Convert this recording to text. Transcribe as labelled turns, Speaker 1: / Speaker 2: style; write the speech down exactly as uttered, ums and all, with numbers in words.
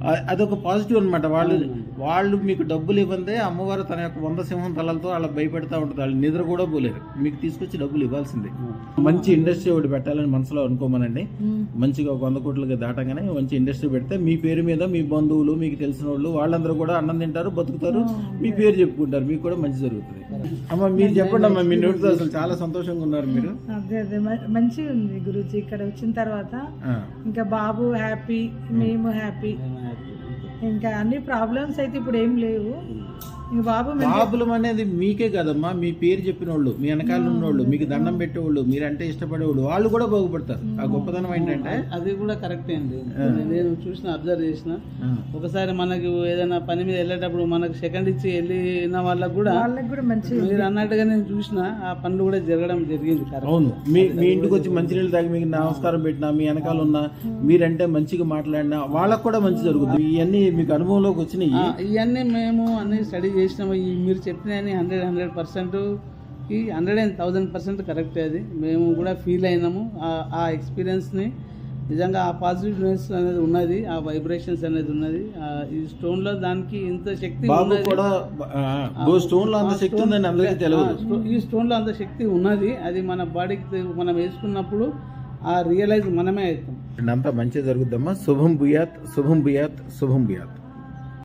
Speaker 1: అదొక పాజిటివ్ అనమాట. వాళ్ళు వాళ్ళు మీకు డబ్బులు ఇవ్వందే అమ్మవారు తన యొక్క వంద సింహం తలలతో వాళ్ళకి భయపెడతా ఉంటుంది. వాళ్ళు నిద్ర కూడా పోలేరు, మీకు తీసుకొచ్చి డబ్బులు ఇవ్వాల్సిందే. మంచి ఇండస్ట్రీ ఒకటి పెట్టాలని మనసులో అనుకోమనండి. మంచిగా ఒక వంద కోట్లకి దాటగానే మంచి ఇండస్ట్రీ పెడితే మీ పేరు మీద మీ బంధువులు, మీకు తెలిసిన వాళ్ళు, వాళ్ళందరూ కూడా అన్నం తింటారు, బతుకుతారు, మీ పేరు చెప్పుకుంటారు, మీకు కూడా మంచి జరుగుతుంది. అమ్మ మీరు చెప్పండి అమ్మా, మీ నోటితో అసలు చాలా సంతోషంగా ఉన్నారు మీరు.
Speaker 2: అదే అదే మంచిగా ఉంది గురూజీ. ఇక్కడ వచ్చిన తర్వాత ఇంకా బాబు హ్యాపీ, మేము హ్యాపీ. ఇంకా అన్ని ప్రాబ్లమ్స్ అయితే ఇప్పుడు ఏం లేవు.
Speaker 1: ప్రాబ్లం అనేది మీకే కదమ్మా, మీ పేరు చెప్పిన వాళ్ళు, మీ వెనకాల ఉన్నోళ్ళు, మీకు దండం పెట్టేవాళ్ళు, మీరంటే ఇష్టపడేవాళ్ళు, వాళ్ళు కూడా బాగుపడతారు. ఆ గొప్పతనం ఏంటంటే
Speaker 3: అది కూడా కరెక్టే అండి. నేను చూసిన, అబ్జర్వ్ చేసిన, ఒకసారి మనకి ఏదైనా పని మీద వెళ్ళేటప్పుడు మనకు సెకండ్ ఇచ్చి వెళ్ళిన వాళ్ళకి కూడా మీరు అన్నట్టుగా నేను చూసిన ఆ పనులు కూడా జరగడం జరిగింది.
Speaker 1: అవును, మీ మీ ఇంటికి వచ్చి మంచినీళ్ళు తాగి మీకు నమస్కారం పెట్టినా, మీ వెనకాల ఉన్నా, మీరంటే మంచిగా మాట్లాడినా వాళ్ళకు కూడా మంచి జరుగుతుంది. ఇవన్నీ మీకు అనుభవంలోకి వచ్చినాయి.
Speaker 3: ఇవన్నీ మేము అన్ని స్టడీ చేసినాము. ఈ మీరు చెప్పిన హండ్రెడ్ హండ్రెడ్ పర్సెంట్ ఈ hundred and thousand percent correct. అది మేము కూడా ఫీల్ అయినాము. ఆ ఎక్స్పీరియన్స్ని నిజంగా ఆ పాజిటివ్నెస్ అనేది ఉన్నది, ఆ వైబ్రేషన్స్ అనేది ఉన్నది. ఈ స్టోన్ లో దానికి ఇంత శక్తి ఈ స్టోన్ లో అంత శక్తి ఉన్నది. అది మన బాడీకి మనం వేసుకున్నప్పుడు ఆ రియలైజ్ మనమే అవుతాం.
Speaker 1: అంతా మంచిగా జరుగుద్దమ్మా. శుభం భూయాత్, శుభం భూయాత్, శుభం భూయాత్.